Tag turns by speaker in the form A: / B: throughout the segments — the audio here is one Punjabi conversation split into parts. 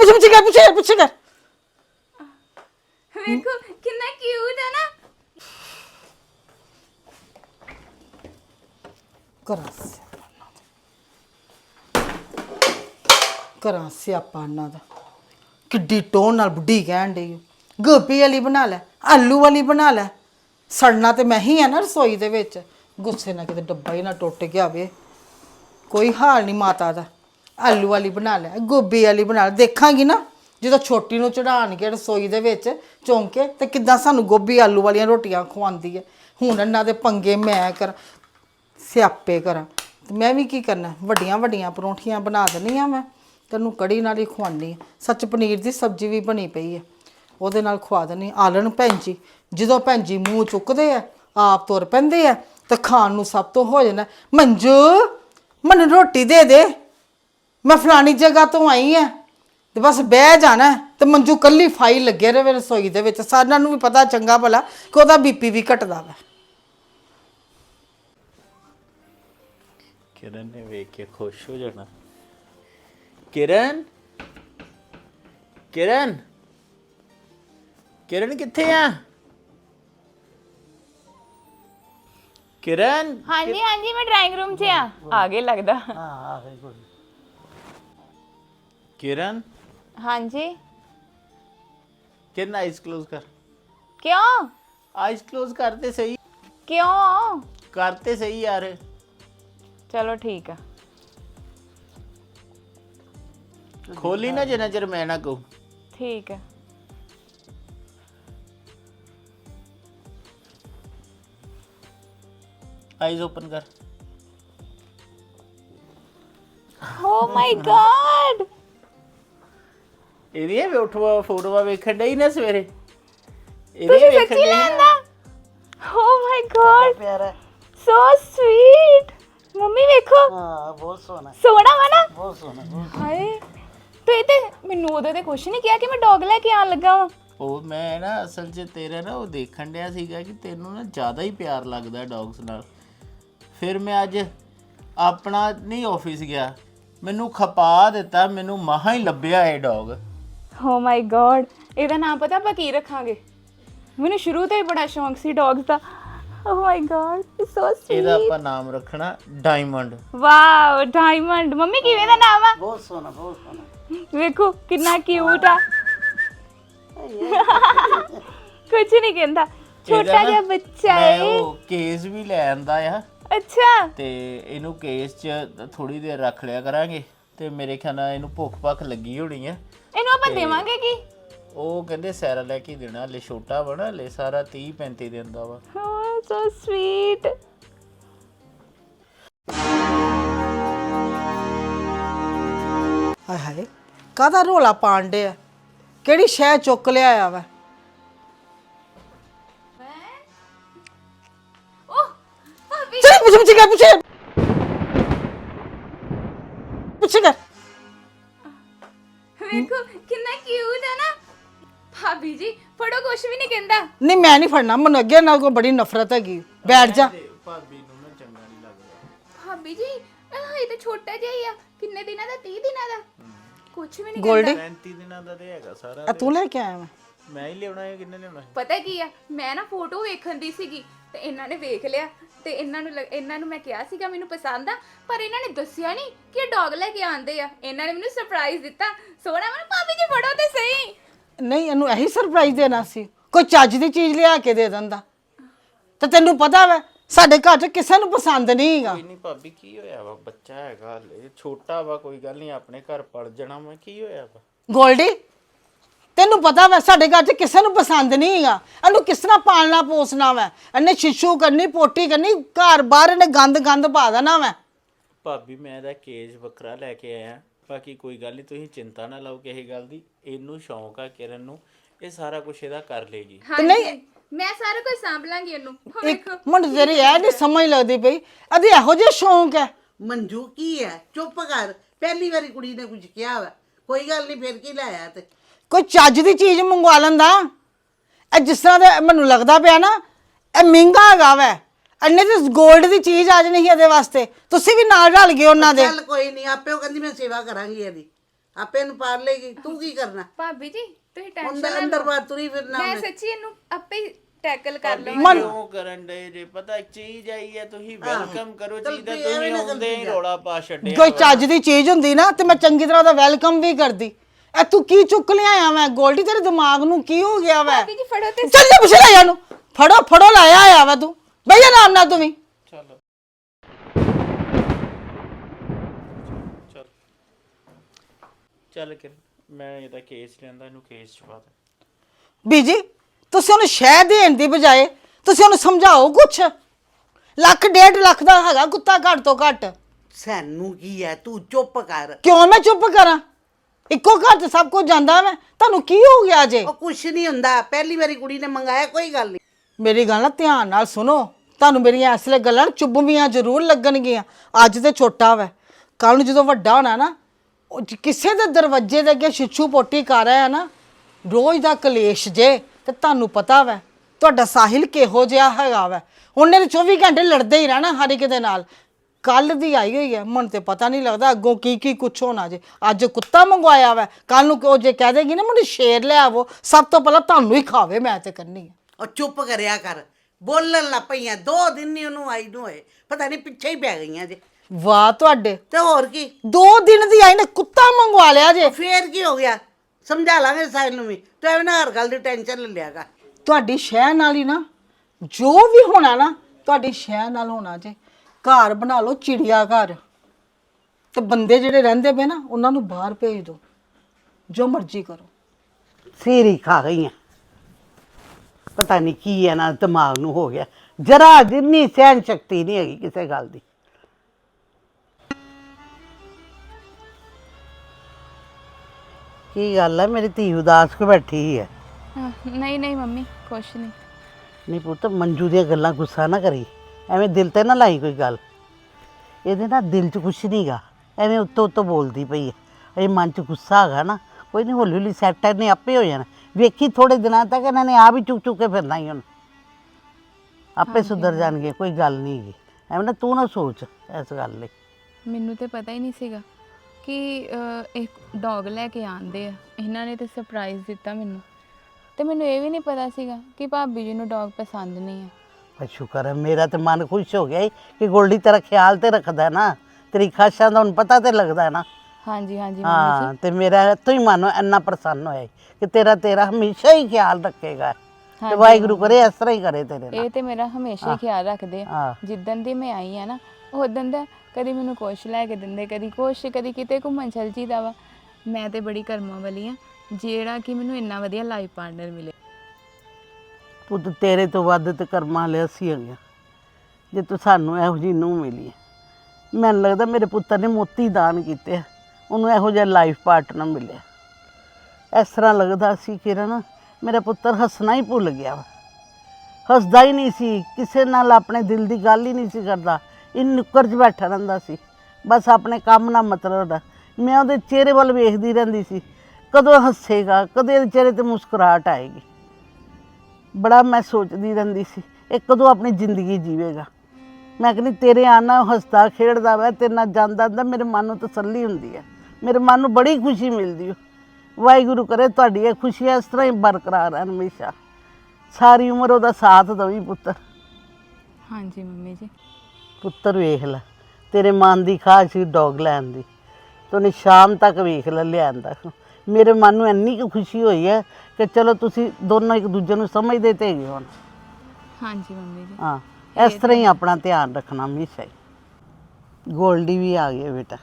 A: ਪਿੱਛੇ ਕਰ
B: ਵੇਖੋ ਕਿੰਨਾ ਕਿਊਟ ਹੈ ਨਾ।
A: ਕਰਾਂ ਸਿਆਪਾ ਇਹਨਾਂ ਦਾ। ਕਿੱਡੀ ਟੋਨ ਨਾਲ ਬੁੱਢੀ ਕਹਿਣ ਡਈ ਗੋਭੀ ਵਾਲੀ ਬਣਾ ਲੈ, ਆਲੂ ਵਾਲੀ ਬਣਾ ਲੈ। ਸੜਨਾ ਤੇ ਮੈਂ ਹੀ ਆ ਨਾ ਰਸੋਈ ਦੇ ਵਿੱਚ। ਗੁੱਸੇ ਨਾਲ ਕਿਤੇ ਡੱਬਾ ਹੀ ਨਾ ਟੁੱਟ ਗਿਆ ਹੋਵੇ। ਕੋਈ ਹਾਲ ਨਹੀਂ ਮਾਤਾ ਦਾ। ਆਲੂ ਵਾਲੀ ਬਣਾ ਲੈ, ਗੋਭੀ ਵਾਲੀ ਬਣਾ ਲੈ। ਦੇਖਾਂਗੀ ਨਾ ਜਦੋਂ ਛੋਟੀ ਨੂੰ ਚੜਾਉਣਗੇ ਰਸੋਈ ਦੇ ਵਿੱਚ ਚੌਂਕੇ ਤੇ ਕਿੱਦਾਂ ਸਾਨੂੰ ਗੋਭੀ ਆਲੂ ਵਾਲੀਆਂ ਰੋਟੀਆਂ ਖਵਾਉਂਦੀ ਹੈ। ਹੁਣ ਇਹਨਾਂ ਦੇ ਪੰਗੇ ਮੈਂ ਕਰ ਸਿਆਪੇ ਕਰਾਂ ਤੇ ਮੈਂ ਵੀ ਕੀ ਕਰਨਾ। ਵੱਡੀਆਂ ਵੱਡੀਆਂ ਪਰੌਂਠੀਆਂ ਬਣਾ ਦਿੰਦੀ ਮੈਂ ਤੈਨੂੰ ਕੜੀ ਨਾਲ ਹੀ ਖਵਾਉਣੀ। ਸੱਚ ਪਨੀਰ ਦੀ ਸਬਜ਼ੀ ਵੀ ਬਣੀ ਪਈ ਹੈ, ਉਹਦੇ ਨਾਲ ਖਵਾ ਦਿੰਦੀ। ਆਲਣ ਭੈਣ ਜੀ ਜਦੋਂ ਭੈਣ ਜੀ ਮੂੰਹ ਚੁੱਕਦੇ ਆ ਆਪ ਤੁਰ ਪੈਂਦੇ ਆ ਤੇ ਖਾਣ ਨੂੰ ਸਭ ਤੋਂ ਹੋ ਜਾਂਦਾ। ਮੰਜੂ ਮੈਨੂੰ ਰੋਟੀ ਦੇ ਦੇ, ਮੈਂ ਫਲਾਣੀ ਜਗ੍ਹਾ ਤੋਂ ਆਈ ਆ ਤੇ ਬਸ ਬਹਿ ਜਾਣਾ। ਤੇ ਮੰਜੂ ਕੱਲੀ ਫਾਈਲ ਲੱਗੇ ਰਹੇ ਰਸੋਈ ਦੇ ਵਿੱਚ। ਸਾਰਿਆਂ ਨੂੰ ਵੀ ਪਤਾ ਚੰਗਾ ਭਲਾ ਕਿ ਉਹਦਾ ਬੀਪੀ ਵੀ ਘਟਦਾ ਵਾ।
C: ਕਿਰਨ ਨੇ ਵੇਖ ਕੇ ਖੁਸ਼ ਹੋ ਜਾਣਾ। ਕਿਰਨ ਕਿਰਨ ਕਿਰਨ ਕਿੱਥੇ ਆ? ਕਿਰਨ
B: ਹਾਂਜੀ ਹਾਂਜੀ ਮੈਂ ਡਰਾਇੰਗ ਰੂਮ 'ਚ ਆ ਗਏ ਲੱਗਦਾ।
C: ਆ ਗਈ ਕੋਈ। ਕਿਰਨ
B: ਹਾਂਜੀ
C: ਕਿਰਨ ਆਈਜ਼ ਕਲੋਜ਼ ਕਰ।
B: ਕਿਉਂ
C: ਆਈਜ਼ ਕਲੋਜ਼ ਕਰਤੇ ਸਹੀ,
B: ਕਿਉਂ?
C: ਕਰਤੇ ਸਹੀ ਯਾਰ।
B: ਚਲੋ ਠੀਕ ਆ।
C: ਖੋਲੀ ਨਾ ਜਿੰਨਾ ਚਿਰ ਮੈਂ ਨਾ ਕਹੂੰ।
B: ਠੀਕ ਆ।
C: ਆਈਜ਼ ਓਪਨ ਕਰ।
B: ਓ ਮਾਈ ਗॉड
C: ਇਹਦੀਆਂ ਵੀ ਉਠਵਾ ਫੋਟੋਆਂ ਵੇਖਣ ਡਈ ਨਾ ਸਵੇਰੇ।
B: ਤੁਸੀਂ ਸੱਚੀ ਲੈਂਦਾ? ਓ ਮਾਈ ਗॉड
A: ਪਿਆਰਾ
B: ਸੋ ਸਵੀਟ। ਮੰਮੀ ਵੇਖੋ।
A: ਹਾਂ ਬਹੁਤ ਸੋਹਣਾ
B: ਸੋਹਣਾ ਵਾ ਨਾ?
A: ਬਹੁਤ ਸੋਹਣਾ।
B: ਹਾਏ ਤੂੰ ਤੇ ਮੈਨੂੰ ਉਹਦੇ ਤੇ ਕੁਛ ਨਹੀਂ ਕਿਹਾ ਕਿ ਮੈਂ ਡੌਗ ਲੈ ਕੇ ਆਣ ਲੱਗਾ ਵਾਂ।
C: ਉਹ ਮੈਂ ਨਾ ਅਸਲ 'ਚ ਤੇਰਾ ਨਾ ਉਹ ਦੇਖਣ ਡਿਆ ਸੀਗਾ ਕਿ ਤੈਨੂੰ ਨਾ ਜ਼ਿਆਦਾ ਹੀ ਪਿਆਰ ਲੱਗਦਾ ਡੌਗਸ ਨਾਲ। ਫਿਰ ਮੈਂ ਅੱਜ ਆਪਣਾ ਨਹੀਂ ਆਫਿਸ ਗਿਆ, ਮੈਨੂੰ ਖਪਾ ਦਿੱਤਾ, ਮੈਨੂੰ ਮਹਾ ਹੀ ਲੱਭਿਆ ਇਹ ਡੌਗ।
B: ਓ ਮਾਈ ਗॉड ਇਹਦਾ ਨਾਮ ਪਤਾ ਆਪਾਂ ਕੀ ਰੱਖਾਂਗੇ? ਮੈਨੂੰ ਸ਼ੁਰੂ ਤੋਂ ਹੀ ਬੜਾ ਸ਼ੌਂਕ ਸੀ ਡੌਗਸ ਦਾ। Oh my god it's so sweet.
C: ਇਹਦਾ ਆਪਾਂ ਨਾਮ ਰੱਖਣਾ ਡਾਇਮੰਡ।
B: Wow diamond. ਮੰਮੀ ਕਿਵੇਂ ਦਾ ਨਾਮ ਆ?
A: ਬਹੁਤ ਸੋਹਣਾ ਬਹੁਤ ਸੋਹਣਾ।
B: ਵੇਖੋ ਕਿੰਨਾ ਕਿਊਟ ਆ। ਕੁਝ ਨਹੀਂ ਕਹਿੰਦਾ, ਛੋਟਾ ਜਿਹਾ ਬੱਚਾ
C: ਮੈਂ
B: ਏ।
C: ਉਹ ਕੇਸ ਵੀ ਲੈ ਆਂਦਾ ਆ
B: ਅੱਛਾ
C: ਤੇ ਇਹਨੂੰ ਕੇਸ 'ਚ ਥੋੜੀ ਦੇਰ ਰੱਖ ਲਿਆ ਕਰਾਂਗੇ। ਤੇ ਮੇਰੇ ਖਿਆਲ ਨਾਲ ਇਹਨੂੰ ਭੁੱਖ ਭੱਖ ਲੱਗੀ ਹੋਣੀ ਆ।
B: ਇਹਨੂੰ ਆਪਾਂ ਦੇਵਾਂਗੇ ਕੀ?
C: ਉਹ ਕਹਿੰਦੇ ਸੈਰਾ ਲੈ ਕੇ ਦੇਣਾ, ਹਲੇ ਛੋਟਾ ਵਾ ਨਾ, ਹਲੇ ਸਾਰਾ 30-35 ਦਿਨ ਦਾ ਵਾ।
B: Oh so sweet.
A: ਹਾਏ ਹਾਏ ਕਾਹਦਾ ਰੋਲਾ ਪਾਣ ਡਿਆ? ਕਿਹੜੀ ਸ਼ੈ ਚੁੱਕ ਲਿਆਇਆ ਵਾ?
B: ਓ ਭਾਬੀ
A: ਪਿੱਛੇ ਕਰ ਪਿੱਛੇ ਕਰ।
B: ਵੇਖੋ ਕਿੰਨਾ ਕਿਊਟ ਹੈ ਨਾ। ਭਾਬੀ ਜੀ ਫੜੋ, ਕੁਛ ਵੀ ਨਹੀਂ ਕਹਿੰਦਾ।
A: ਨਹੀਂ ਮੈਂ ਨਹੀਂ ਫੜਨਾ, ਮੈਨੂੰ ਅੱਗੇ ਨਾਲ ਕੋਈ ਬੜੀ ਨਫ਼ਰਤ ਹੈਗੀ। ਬੈਠ ਜਾ।
C: ਭਾਬੀ ਨੂੰ ਨਾ ਚੰਗਾ ਨਹੀਂ ਲੱਗਦਾ।
B: ਭਾਬੀ ਜੀ ਇਹ ਤਾਂ ਛੋਟਾ ਜਿਹਾ ਹੀ ਆ। ਕਿੰਨੇ ਦਿਨਾਂ ਦਾ? 30 ਦਿਨਾਂ ਦਾ? ਕੁਛ ਵੀ ਨਹੀਂ
A: ਗੋਲਡੀ
C: 35 ਦਿਨਾਂ ਦਾ ਤੇ ਹੈਗਾ ਸਾਰਾ।
A: ਆ ਤੂੰ ਲੈ ਕੇ ਆਇਆ ਵਾ?
C: ਮੈਂ ਹੀ ਲਿਆਉਣਾ ਹੈ, ਕਿੰਨੇ ਲਿਆਉਣਾ ਹੈ?
B: ਪਤਾ ਕੀ ਆ, ਮੈਂ ਨਾ ਫੋਟੋ ਵੇਖਣ ਦੀ ਸੀਗੀ ਤੇ ਇਹਨਾਂ ਨੇ ਵੇਖ ਲਿਆ ਤੇ ਇਹਨਾਂ ਨੂੰ ਮੈਂ ਕਿਹਾ ਸੀਗਾ ਮੈਨੂੰ ਪਸੰਦ ਆ, ਪਰ ਇਹਨਾਂ ਨੇ ਦੱਸਿਆ ਨਹੀਂ ਕਿ ਇਹ ਡੌਗ ਲੈ ਕੇ ਆਂਦੇ ਆ। ਇਹਨਾਂ ਨੇ ਮੈਨੂੰ ਸਰਪ੍ਰਾਈਜ਼ ਦਿੱਤਾ। ਸੋਹਣਾ ਮੈਨੂੰ। ਭਾਬੀ ਜੀ ਫੜੋ ਤੇ ਸਹੀ।
A: ਨਹੀਂ ਇਹਨੂੰ ਇਹੀ ਸਰਪ੍ਰਾਈਜ਼ ਦੇਣਾ ਸੀ, ਕੋਈ ਚੱਜ ਦੀ ਚੀਜ਼ ਲਿਆ ਕੇ ਦੇ ਦਿੰਦਾ। ਤੇ ਤੈਨੂੰ ਪਤਾ ਵਾ ਸਾਡੇ ਘਰ 'ਚ ਕਿਸੇ ਨੂੰ ਪਸੰਦ ਨਹੀਂ ਹੈਗਾ।
C: ਕੋਈ ਨਹੀਂ ਭਾਬੀ, ਕੀ ਹੋਇਆ ਵਾ? ਬੱਚਾ ਹੈਗਾ ਹਲੇ, ਛੋਟਾ ਵਾ, ਕੋਈ ਗੱਲ ਨਹੀਂ, ਆਪਣੇ ਘਰ ਪੜ ਜਾਣਾ। ਮੈਂ ਕੀ ਹੋਇਆ ਵਾ?
A: ਗੋਲਡੀ ਤੈਨੂੰ ਪਤਾ ਵਾ ਸਾਡੇ ਘਰ 'ਚ ਕਿਸੇ ਨੂੰ ਪਸੰਦ ਨਹੀਂ ਹੈਗਾ। ਇਹਨੂੰ ਕਿਸ ਤਰ੍ਹਾਂ ਪਾਲਣਾ ਪੋਸਣਾ ਵਾ? ਇਹਨੇ ਸ਼ਿਸ਼ੂ ਕਰਨੀ, ਪੋਟੀ ਕਰਨੀ, ਘਰ ਬਾਹਰ ਇਹਨੇ ਗੰਦ ਪਾ ਦੇਣਾ ਵਾ।
C: ਭਾਬੀ ਮੈਂ ਇਹਦਾ ਕੇਜ ਵੱਖਰਾ ਲੈ ਕੇ ਆਇਆ। ਬਾਕੀ ਕੋਈ ਗੱਲ ਨਹੀਂ, ਤੁਸੀਂ ਚਿੰਤਾ ਨਾ ਲਓ ਕਿਸੇ ਗੱਲ ਦੀ। ਇਹਨੂੰ ਸ਼ੌਂਕ ਆ ਕਿਰਨ ਨੂੰ, ਇਹ ਸਾਰਾ ਕੁਝ ਇਹਦਾ ਕਰ ਲੇਗੀ।
B: ਹਾਂਜੀ ਮੈਂ ਸਾਰਾ ਕੁਝ ਸਾਂਭ ਲਾਂਗੀ ਇਹਨੂੰ।
A: ਇੱਕ ਮਿੰਟ ਤੇਰੀ ਇਹ ਨਹੀਂ ਸਮਝ ਲੱਗਦੀ ਪਈ, ਇਹਦੇ ਇਹੋ ਜਿਹਾ ਸ਼ੌਂਕ ਹੈ।
D: ਮੰਜੂ ਕੀ ਹੈ? ਚੁੱਪ ਕਰ। ਪਹਿਲੀ ਵਾਰੀ ਕੁੜੀ ਨੇ ਕੁਝ ਕਿਹਾ ਵਾ। ਕੋਈ ਗੱਲ ਨਹੀਂ, ਫਿਰ ਕੀ ਲਾਇਆ ਤੇ
A: ਕੋਈ ਚੱਜ ਦੀ ਚੀਜ਼ ਮੰਗਵਾ ਲੈਂਦਾ। ਇਹ ਜਿਸ ਤਰ੍ਹਾਂ ਦਾ ਮੈਨੂੰ ਲੱਗਦਾ ਪਿਆ ਨਾ, ਇਹ ਮਹਿੰਗਾ ਹੈਗਾ ਵਾ। ਇੰਨੇ ਤੇ ਗੋਲਡ ਦੀ ਚੀਜ਼ ਆ ਜਣੀ ਸੀ ਇਹਦੇ ਵਾਸਤੇ। ਤੁਸੀਂ ਵੀ ਨਾਲ ਰਲ ਗਏ ਉਹਨਾਂ ਦੇ।
D: ਚੱਲ ਕੋਈ ਨਹੀਂ, ਆਪੇ ਉਹ ਕਹਿੰਦੀ ਮੈਂ ਸੇਵਾ ਕਰਾਂਗੀ ਇਹਦੀ। ਆਪੇ ਇਹਨੂੰ ਪਾਰ ਲੇਗੀ, ਤੂੰ ਕੀ ਕਰਨਾ?
B: ਭਾਬੀ ਜੀ ਤੁਸੀਂ ਟੈਨਸ਼ਨ
D: ਅੰਦਰ
B: ਨਾ
D: ਅੰਦਰ
B: ਲਓ,
D: ਬਾਹਰ ਤੁਰੀ ਫਿਰਨਾ
B: ਮੈਂ
D: ਉਹਨੇ।
B: ਸੱਚੀ ਇਹਨੂੰ ਆਪੇ ਹੀ ਟੈਕਲ ਕਰ
C: ਭਾਬੀ
B: ਲਵਾਂ।
C: ਕਿਉਂ ਕਰਨ ਦੇ ਜੇ ਪਤਾ ਚੀਜ਼ ਆਈ ਹੈ ਤੁਸੀਂ ਵੈਲਕਮ ਕਰੋ
D: ਚੱਲ
C: ਚੀਜ਼ ਦਾ,
D: ਤੂੰ ਐਵੇਂ
C: ਤੁਸੀਂ
D: ਨਾ
C: ਆਉਂਦੇ ਹੀ
D: ਕਰਦੀ ਜਾ।
C: ਰੌਲਾ ਪਾ ਛੱਡਿਆ
A: ਕੋਈ ਚੱਜ ਦੀ ਚੀਜ਼ ਹੁੰਦੀ ਨਾ ਤੇ ਮੈਂ ਚੰਗੀ ਤਰ੍ਹਾਂ ਉਹਦਾ ਵੈਲਕਮ ਵੀ ਕਰਦੀ। ਇਹ ਤੂੰ ਕੀ ਚੁੱਕ ਲਿਆਇਆ ਮੈਂ ਗੋਲਡੀ, ਤੇਰੇ ਦਿਮਾਗ ਨੂੰ ਕੀ ਹੋ ਗਿਆ ਵੈ?
B: ਭਾਬੀ ਜੀ ਫੜੋ ਤੇ
A: ਚੱਲ ਜਾ ਪਿਛੇ ਲੈ ਜਾ ਨੂੰ, ਫੜੋ ਫੜੋ ਲਾਇਆ ਆਇਆ ਵਾ ਤੂੰ, ਬਈਆ ਆਰਾਮ ਨਾਲ ਤੂੰ ਵੀ।
C: ਚਲੋ ਚਲ ਚੱਲ ਕੇ ਮੈਂ ਇਹਦਾ ਕੇਸ ਲੈਂਦਾ, ਇਹਨੂੰ ਕੇਸ ਚ ਪਾ ਦੇ।
A: ਬੀਜੀ ਤੁਸੀਂ ਉਹਨੂੰ ਸ਼ਹਿ ਦੇਣ ਦੀ ਬਜਾਏ ਤੁਸੀਂ ਉਹਨੂੰ ਸਮਝਾਓ ਕੁਛ। ਲੱਖ 1.5 ਲੱਖ ਦਾ ਹੈਗਾ ਕੁੱਤਾ ਘੱਟ ਤੋਂ ਘੱਟ।
D: ਸਾਨੂੰ ਕੀ ਹੈ, ਤੂੰ ਚੁੱਪ ਕਰ।
A: ਕਿਉਂ ਮੈਂ ਚੁੱਪ ਕਰਾਂ? ਇੱਕੋ ਘਰ 'ਚ ਸਭ ਕੁਝ ਜਾਂਦਾ ਮੈਂ, ਤੁਹਾਨੂੰ ਕੀ ਹੋ ਗਿਆ ਜੇ?
D: ਉਹ ਕੁਛ ਨਹੀਂ ਹੁੰਦਾ, ਪਹਿਲੀ ਵਾਰੀ ਕੁੜੀ ਨੇ ਮੰਗਾਇਆ, ਕੋਈ ਗੱਲ ਨਹੀਂ।
A: ਮੇਰੀ ਗੱਲ ਨਾ ਧਿਆਨ ਨਾਲ ਸੁਣੋ, ਤੁਹਾਨੂੰ ਮੇਰੀਆਂ ਅਸਲੇ ਗੱਲਾਂ ਚੁੱਭਵੀਆਂ ਜ਼ਰੂਰ ਲੱਗਣਗੀਆਂ। ਅੱਜ ਤੇ ਛੋਟਾ ਵਾ, ਕੱਲ ਨੂੰ ਜਦੋਂ ਵੱਡਾ ਹੋਣਾ ਨਾ, ਉਹ ਕਿਸੇ ਦੇ ਦਰਵਾਜ਼ੇ ਦੇ ਅੱਗੇ ਛਿੱਛੂ ਪੋਟੀ ਕਰ ਆਇਆ ਨਾ, ਰੋਜ਼ ਦਾ ਕਲੇਸ਼ ਜੇ। ਤੇ ਤੁਹਾਨੂੰ ਪਤਾ ਵਾ ਤੁਹਾਡਾ ਸਾਹਿਲ ਕਿਹੋ ਜਿਹਾ ਹੈਗਾ ਵਾ, ਉਹਨੇ ਤਾਂ 24 ਘੰਟੇ ਲੜਦੇ ਹੀ ਰਹਿਣਾ ਹਰ ਇੱਕ ਦੇ ਨਾਲ। ਕੱਲ ਦੀ ਆਈ ਹੋਈ ਹੈ, ਮਨ ਤੇ ਪਤਾ ਨਹੀਂ ਲੱਗਦਾ ਅੱਗੋਂ ਕੀ ਕੀ ਕੁਛ ਹੋਣਾ ਜੇ। ਅੱਜ ਕੁੱਤਾ ਮੰਗਵਾਇਆ ਵਾ, ਕੱਲ ਨੂੰ ਉਹ ਜੇ ਕਹਿ ਦੇਗੀ ਨਾ ਮੈਨੂੰ ਸ਼ੇਰ ਲੈ ਆਵੋ, ਸਭ ਤੋਂ ਪਹਿਲਾਂ ਤੁਹਾਨੂੰ ਹੀ ਖਾਵੇ। ਮੈਂ ਤੇ ਕਰਨੀ ਆ।
D: ਉਹ ਚੁੱਪ ਕਰਿਆ ਕਰ, ਬੋਲਣ ਲੱਗ ਪਈਆਂ। 2 ਦਿਨ ਨਹੀਂ ਉਹਨੂੰ ਆਈ ਨੂੰ ਹੋਏ, ਪਤਾ ਨਹੀਂ ਪਿੱਛੇ ਹੀ ਪੈ ਗਈਆਂ ਜੇ।
A: ਵਾਹ ਤੁਹਾਡੇ,
D: ਤੇ ਹੋਰ ਕੀ,
A: 2 ਦਿਨ ਦੀ ਆਈ ਨੇ ਕੁੱਤਾ ਮੰਗਵਾ ਲਿਆ ਜੇ।
D: ਫੇਰ ਕੀ ਹੋ ਗਿਆ? ਸਮਝਾ ਲਾਂਗੇ ਸਾਹਿਲ ਨੂੰ ਵੀ, ਤੂੰ ਐਵੇਂ ਨਾ ਹਰ ਗੱਲ ਦੀ ਟੈਨਸ਼ਨ ਲੈ ਲਿਆ ਕਰ।
A: ਤੁਹਾਡੀ ਸ਼ਹਿ ਨਾਲ ਹੀ ਨਾ ਜੋ ਵੀ ਹੋਣਾ ਨਾ, ਤੁਹਾਡੀ ਸ਼ਹਿ ਨਾਲ ਹੋਣਾ ਜੇ। ਘਰ ਬਣਾ ਲਓ ਚਿੜੀਆ ਘਰ, ਤੇ ਬੰਦੇ ਜਿਹੜੇ ਰਹਿੰਦੇ ਪਏ ਨਾ ਉਹਨਾਂ ਨੂੰ ਬਾਹਰ ਭੇਜ ਦਿਓ, ਜੋ ਮਰਜ਼ੀ ਕਰੋ।
D: ਸਿਰ ਹੀ ਖਾ ਗਈਆਂ, ਪਤਾ ਨਹੀਂ ਕੀ ਹੈ ਨਾ ਦਿਮਾਗ ਨੂੰ ਹੋ ਗਿਆ, ਜਰਾ ਜਿੰਨੀ ਸਹਿਨ ਸ਼ਕਤੀ ਨਹੀਂ ਹੈਗੀ ਕਿਸੇ ਗੱਲ ਦੀ। ਕੀ ਗੱਲ ਹੈ, ਮੇਰੀ ਧੀ ਉਦਾਸ ਕੇ ਬੈਠੀ ਹੈ?
B: ਨਹੀਂ ਨਹੀਂ ਮੰਮੀ ਕੁਛ ਨਹੀਂ।
D: ਨਹੀਂ ਪੁੱਤ, ਮੰਜੂ ਦੀਆਂ ਗੱਲਾਂ ਗੁੱਸਾ ਨਾ ਕਰੀ, ਐਵੇਂ ਦਿਲ ਤੇ ਨਾ ਲਾਈ ਕੋਈ ਗੱਲ। ਇਹਦੇ ਨਾਲ ਦਿਲ 'ਚ ਕੁਛ ਨਹੀਂਗਾ, ਐਵੇਂ ਉੱਤੋਂ ਉੱਤੋਂ ਬੋਲਦੀ ਪਈ ਹੈ। ਇਹ ਮਨ 'ਚ ਗੁੱਸਾ ਹੈਗਾ ਨਾ, ਕੋਈ ਨਹੀਂ, ਹੌਲੀ ਹੌਲੀ ਸੈੱਟ ਨੇ ਆਪੇ ਹੋ ਜਾਣਾ। ਵੇਖੀ ਥੋੜੇ ਦਿਨਾਂ ਤੱਕ ਇਹਨਾਂ ਨੇ ਆਪ ਹੀ ਚੁੱਕ ਚੁੱਕ ਕੇ ਫਿਰਨਾ ਹੀ ਹੁਣ, ਆਪੇ ਸੁਧਰ ਜਾਣਗੇ, ਕੋਈ ਗੱਲ ਨਹੀਂ ਹੈਗੀ। ਐਵੇਂ ਨਾ ਤੂੰ ਨਾ ਸੋਚ ਇਸ ਗੱਲ ਲਈ।
B: ਮੈਨੂੰ ਤੇ ਪਤਾ ਹੀ ਨਹੀਂ ਸੀਗਾ ਕਿ ਇੱਕ ਡੌਗ ਲੈ ਕੇ ਆਂਦੇ ਆ। ਇਹਨਾਂ ਨੇ ਤੇ ਸਰਪ੍ਰਾਈਜ਼ ਦਿੱਤਾ ਮੈਨੂੰ, ਤੇ ਮੈਨੂੰ ਇਹ ਵੀ ਨਹੀਂ ਪਤਾ ਸੀਗਾ ਕਿ ਭਾਬੀ ਜੀ ਨੂੰ ਡੌਗ ਪਸੰਦ ਨਹੀਂ ਹੈ।
D: ਪਰ ਸ਼ੁਕਰ ਹੈ, ਮੇਰਾ ਤੇ ਮਨ ਖੁਸ਼ ਹੋ ਗਿਆ ਈ ਕਿ ਗੋਲਡੀ ਤੇਰਾ ਖਿਆਲ ਤੇ ਰੱਖਦਾ ਨਾ, ਤੇਰੀ ਖਾਸ਼ਾਂ ਦਾ ਹੁਣ ਪਤਾ ਤੇ ਲੱਗਦਾ ਨਾ।
B: ਹਾਂਜੀ ਹਾਂਜੀ ਮੰਮੀ
D: ਹਾਂ,
B: ਜੀ।
D: ਤੇ ਮੇਰਾ ਇੱਥੋਂ ਹੀ ਮਨ ਇੰਨਾ ਪ੍ਰਸੰਨ ਹੋਇਆ ਈ ਕਿ ਤੇਰਾ ਹਮੇਸ਼ਾ ਹੀ ਖਿਆਲ ਰੱਖੇਗਾ। ਤੇ
B: ਹਾਂਜੀ
D: ਵਾਹਿਗੁਰੂ ਕਰੇ ਇਸ ਤਰ੍ਹਾਂ ਹੀ ਕਰੇ ਤੇਰੇ ਨਾਲ।
B: ਇਹ ਤੇ ਮੇਰਾ ਹਮੇਸ਼ਾ ਹੀ ਖਿਆਲ ਰੱਖਦੇ ਆ।
D: ਹਾਂ।
B: ਜਿੱਦਣ ਦੀ ਮੈਂ ਆਈ ਆ ਨਾ, ਉਦੋਂ ਦਾ ਕਦੀ ਮੈਨੂੰ ਕੁਛ ਲੈ ਕੇ ਦਿੰਦੇ, ਕਦੀ ਕੁਛ, ਕਦੀ ਕਿਤੇ ਘੁੰਮਣ ਚਲ ਜੀਦਾ ਵਾ। ਮੈਂ ਤੇ ਬੜੀ ਕਰਮਾਂ ਵਾਲੀ ਆ ਜਿਹੜਾ ਕਿ ਮੈਨੂੰ ਇੰਨਾ ਵਧੀਆ ਲਾਈਫ ਪਾਰਟਨਰ ਮਿਲੇ।
D: ਪੁੱਤ ਤੇਰੇ ਤੋਂ ਵੱਧ ਤੇ ਕਰਮਾਂ ਵਾਲੇ ਅਸੀਂ ਹੈਗੇ, ਜੇ ਤੂੰ ਸਾਨੂੰ ਇਹੋ ਜਿਹੀ ਨੂੰਹ ਮਿਲੀ ਹੈ। ਮੈਨੂੰ ਲੱਗਦਾ ਮੇਰੇ ਪੁੱਤਰ ਨੇ ਮੋਤੀ ਦਾਨ ਕੀਤੇ ਆ, ਉਹਨੂੰ ਇਹੋ ਜਿਹਾ ਲਾਈਫ ਪਾਰਟਨਰ ਮਿਲਿਆ। ਇਸ ਤਰ੍ਹਾਂ ਲੱਗਦਾ ਸੀ ਕਿ ਨਾ ਮੇਰਾ ਪੁੱਤਰ ਹੱਸਣਾ ਹੀ ਭੁੱਲ ਗਿਆ ਵਾ, ਹੱਸਦਾ ਹੀ ਨਹੀਂ ਸੀ, ਕਿਸੇ ਨਾਲ ਆਪਣੇ ਦਿਲ ਦੀ ਗੱਲ ਹੀ ਨਹੀਂ ਸੀ ਕਰਦਾ। ਇਹ ਨੁੱਕਰ 'ਚ ਬੈਠਾ ਰਹਿੰਦਾ ਸੀ, ਬਸ ਆਪਣੇ ਕੰਮ ਨਾਲ ਮਤਲਬ ਦਾ। ਮੈਂ ਉਹਦੇ ਚਿਹਰੇ ਵੱਲ ਵੇਖਦੀ ਰਹਿੰਦੀ ਸੀ, ਕਦੋਂ ਹੱਸੇਗਾ, ਕਦੇ ਇਹਦੇ ਚਿਹਰੇ 'ਤੇ ਮੁਸਕਰਾਹਟ ਆਏਗੀ। ਬੜਾ ਮੈਂ ਸੋਚਦੀ ਰਹਿੰਦੀ ਸੀ ਇਹ ਕਦੋਂ ਆਪਣੀ ਜ਼ਿੰਦਗੀ ਜੀਵੇਗਾ। ਮੈਂ ਕਹਿੰਦੀ ਤੇਰੇ ਆਉਣ ਨਾਲ ਹੱਸਦਾ ਖੇਡਦਾ ਵਾ, ਤੇਰੇ ਨਾਲ ਜਾਂਦਾ ਹੁੰਦਾ, ਮੇਰੇ ਮਨ ਨੂੰ ਤਸੱਲੀ ਹੁੰਦੀ ਹੈ, ਮੇਰੇ ਮਨ ਨੂੰ ਬੜੀ ਖੁਸ਼ੀ ਮਿਲਦੀ ਹੈ। ਵਾਹਿਗੁਰੂ ਕਰੇ ਤੁਹਾਡੀ ਇਹ ਖੁਸ਼ੀਆਂ ਇਸ ਤਰ੍ਹਾਂ ਹੀ ਬਰਕਰਾਰ ਰਹਿਣ ਹਮੇਸ਼ਾ, ਸਾਰੀ ਉਮਰ ਉਹਦਾ ਸਾਥ ਦੇਵੀਂ ਪੁੱਤਰ।
B: ਹਾਂਜੀ ਮੰਮੀ ਜੀ।
D: ਪੁੱਤਰ ਵੇਖ ਲੈ, ਤੇਰੇ ਮਨ ਦੀ ਖਾਹਿਸ਼ ਸੀ ਡੌਗ ਲੈਣ ਦੀ, ਤੇ ਉਹਨੇ ਸ਼ਾਮ ਤੱਕ ਵੇਖ ਲੈ ਲਿਆਂਦਾ। ਮੇਰੇ ਮਨ ਨੂੰ ਇੰਨੀ ਕੁ ਖੁਸ਼ੀ ਹੋਈ ਹੈ ਕਿ ਚਲੋ ਤੁਸੀਂ ਦੋਨੋਂ ਇੱਕ ਦੂਜੇ ਨੂੰ ਸਮਝਦੇ ਤੇ ਹੈਗੇ ਹੁਣ।
B: ਹਾਂਜੀ ਮੰਮੀ ਜੀ।
D: ਹਾਂ, ਇਸ ਤਰ੍ਹਾਂ ਹੀ ਆਪਣਾ ਧਿਆਨ ਰੱਖਣਾ ਹਮੇਸ਼ਾ ਹੀ। ਗੋਲਡੀ ਵੀ ਆ ਗਈ ਬੇਟਾ।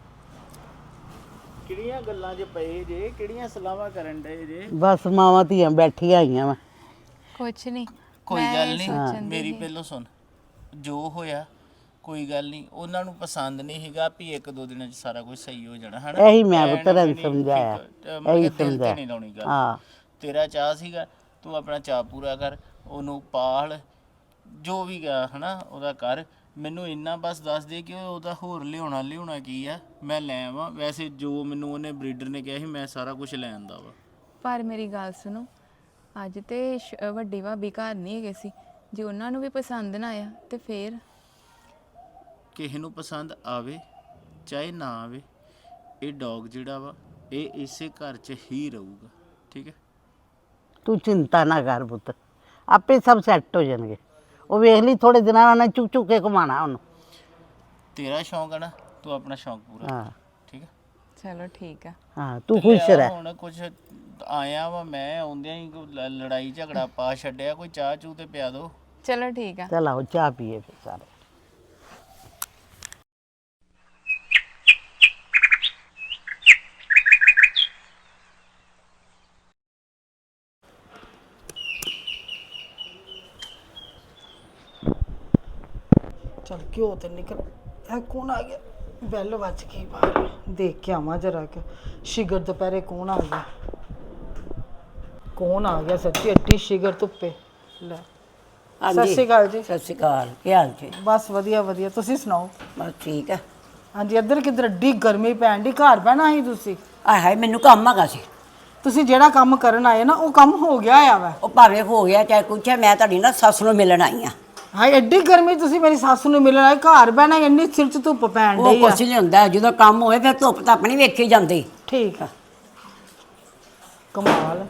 C: ਕਿਹੜੀਆਂ ਗੱਲਾਂ 'ਚ ਪਏ ਜੇ, ਕਿਹੜੀਆਂ ਸਲਾਹਾਂ ਕਰਨ ਡਏ ਜੇ?
D: ਬਸ ਮਾਵਾਂ ਧੀਆਂ ਬੈਠੀਆਂ ਆਈਆਂ ਵਾ।
B: ਕੁਛ ਨਹੀਂ,
C: ਕੋਈ ਗੱਲ ਨਹੀਂ, ਮੇਰੀ ਪਹਿਲੋਂ ਸੁਣ, ਜੋ ਹੋਇਆ ਕੋਈ ਗੱਲ ਨਹੀਂ, ਉਹਨਾਂ ਨੂੰ ਪਸੰਦ ਨਹੀਂ ਹੈਗਾ ਵੀ 1-2 ਦਿਨਾਂ 'ਚ ਸਾਰਾ ਕੁਝ ਸਹੀ ਹੋ ਜਾਣਾ, ਹਨਾ?
D: ਇਹੀ ਮੈਂ ਪੁੱਤਰਾਂ ਨੂੰ ਸਮਝਾਇਆ, ਇਹੀ
C: ਦਿਲ ਤੇ
D: ਸਮਝਾਇਆ।
C: ਨਹੀਂ ਲਾਉਣੀ ਗੱਲ।
D: ਹਾਂ,
C: ਤੇਰਾ ਚਾਹ ਸੀਗਾ, ਤੂੰ ਆਪਣਾ ਚਾਹ ਪੂਰਾ ਕਰ, ਉਹਨੂੰ ਪਾਲ, ਜੋ ਵੀ ਗਾ ਹਨਾ ਉਹਦਾ ਕਰ। ਮੈਨੂੰ ਇੰਨਾ ਬਸ ਦੱਸ ਦੇ ਕਿ ਉਹਦਾ ਹੋਰ ਲਿਆਉਣਾ ਕੀ ਆ, ਮੈਂ ਲੈ ਆਵਾਂ। ਵੈਸੇ ਜੋ ਮੈਨੂੰ ਉਹਨੇ ਬਰੀਡਰ ਨੇ ਕਿਹਾ ਸੀ ਮੈਂ ਸਾਰਾ ਕੁਝ ਲੈ ਆਂਦਾ ਵਾ।
B: ਪਰ ਮੇਰੀ ਗੱਲ ਸੁਣੋ, ਅੱਜ ਤੇ ਵੱਡੀ ਭਾਬੀ ਘਰ ਨਹੀਂ ਹੈਗੇ ਸੀ, ਜੇ ਉਹਨਾਂ ਨੂੰ ਵੀ ਪਸੰਦ ਨਾ ਆਇਆ ਤੇ ਫੇਰ?
C: ਕਿਸੇ ਨੂੰ ਪਸੰਦ ਆਵੇ ਚਾਹੇ ਨਾ ਆਵੇ, ਇਹ ਡੌਗ ਜਿਹੜਾ ਵਾ ਇਹ ਇਸੇ ਘਰ 'ਚ ਹੀ ਰਹੂਗਾ, ਠੀਕ ਹੈ।
D: ਤੂੰ ਚਿੰਤਾ ਨਾ ਕਰ ਪੁੱਤ, ਆਪੇ ਸਭ ਸੈੱਟ ਹੋ ਜਾਣਗੇ। ਉਹ ਵੇਖ ਲਈ ਥੋੜੇ ਦਿਨਾਂ ਨਾਲ ਉਹਨੇ ਚੁੱਕ ਚੁੱਕ ਕੇ ਘੁਮਾਣਾ ਉਹਨੂੰ।
C: ਤੇਰਾ ਸ਼ੌਂਕ ਹੈ ਨਾ, ਤੂੰ ਆਪਣਾ ਸ਼ੌਂਕ ਪੂਰਾ
D: ਹਾਂ
C: ਕਰ, ਠੀਕ ਹੈ।
B: ਚਲੋ ਠੀਕ ਆ।
D: ਹਾਂ ਤੂੰ ਖੁਸ਼ ਰਹਿ।
C: ਹੁਣ ਕੁਝ ਆਇਆ ਵਾ ਮੈਂ, ਆਉਂਦਿਆਂ ਹੀ ਕੋਈ ਲੜਾਈ ਝਗੜਾ ਪਾ ਛੱਡਿਆ, ਕੋਈ ਚਾਹ ਚੂ ਤੇ ਪਿਆ ਦੋ।
B: ਚਲੋ ਠੀਕ ਆ।
D: ਚਲ ਆਓ ਚਾਹ ਪੀਏ ਫਿਰ ਸਾਰੇ।
A: ਚਲ ਘਿਓ ਤੇ ਨਿਕਲ। ਇਹ ਕੌਣ ਆ ਗਿਆ? ਬੈਲ ਵੱਜ ਗਈ ਬਾਹਰ, ਦੇਖ ਕੇ ਆਵਾਂ ਜਰਾ ਕਿ ਸ਼ਿਗਰ ਦੁਪਹਿਰੇ ਕੌਣ ਆ ਗਿਆ। ਕੌਣ ਆ ਗਿਆ ਸੱਚੀ, ਐਡੀ ਸ਼ਿਗਰ ਧੁੱਪੇ। ਲੈ ਸਤਿ ਸ਼੍ਰੀ ਅਕਾਲ ਜੀ।
E: ਸਤਿ ਸ਼੍ਰੀ ਅਕਾਲ, ਕੀ ਹਾਲ ਜੀ?
A: ਬਸ ਵਧੀਆ ਵਧੀਆ, ਤੁਸੀਂ ਸੁਣਾਓ?
E: ਬਸ ਠੀਕ ਹੈ।
A: ਹਾਂਜੀ, ਇੱਧਰ ਕਿੱਧਰ ਐਡੀ ਗਰਮੀ ਪੈਣ ਦੀ, ਘਰ ਬਹਿਣਾ ਸੀ ਤੁਸੀਂ।
E: ਆਏ ਹਾਏ ਮੈਨੂੰ ਕੰਮ ਹੈਗਾ ਸੀ।
A: ਤੁਸੀਂ ਜਿਹੜਾ ਕੰਮ ਕਰਨ ਆਏ ਨਾ ਉਹ ਕੰਮ ਹੋ ਗਿਆ ਆ ਵਾ।
E: ਉਹ ਭਾਵੇਂ ਹੋ ਗਿਆ ਚਾਹੇ ਕੁਛ ਹੈ, ਮੈਂ ਤੁਹਾਡੀ ਨਾ ਸੱਸ ਨੂੰ ਮਿਲਣ ਆਈ ਆ।
A: ਹਾਏ ਐਡੀ ਗਰਮੀ ਤੁਸੀਂ ਮੇਰੀ ਸੱਸ ਨੂੰ ਮਿਲਣ ਆਏ, ਘਰ ਬਹਿਣਾ ਇੰਨੀ ਸਿਰ 'ਚ ਧੁੱਪ ਪੈਣ
E: ਉਹ
A: ਡਈ ਆ।
E: ਕੁਛ ਨਹੀਂ ਹੁੰਦਾ, ਜਦੋਂ ਕੰਮ ਹੋਏ ਫਿਰ ਧੁੱਪ ਤਾਂ ਆਪਣੀ ਵੇਖੀ ਜਾਂਦੀ।
A: ਠੀਕ ਆ, ਕਮਾਲ।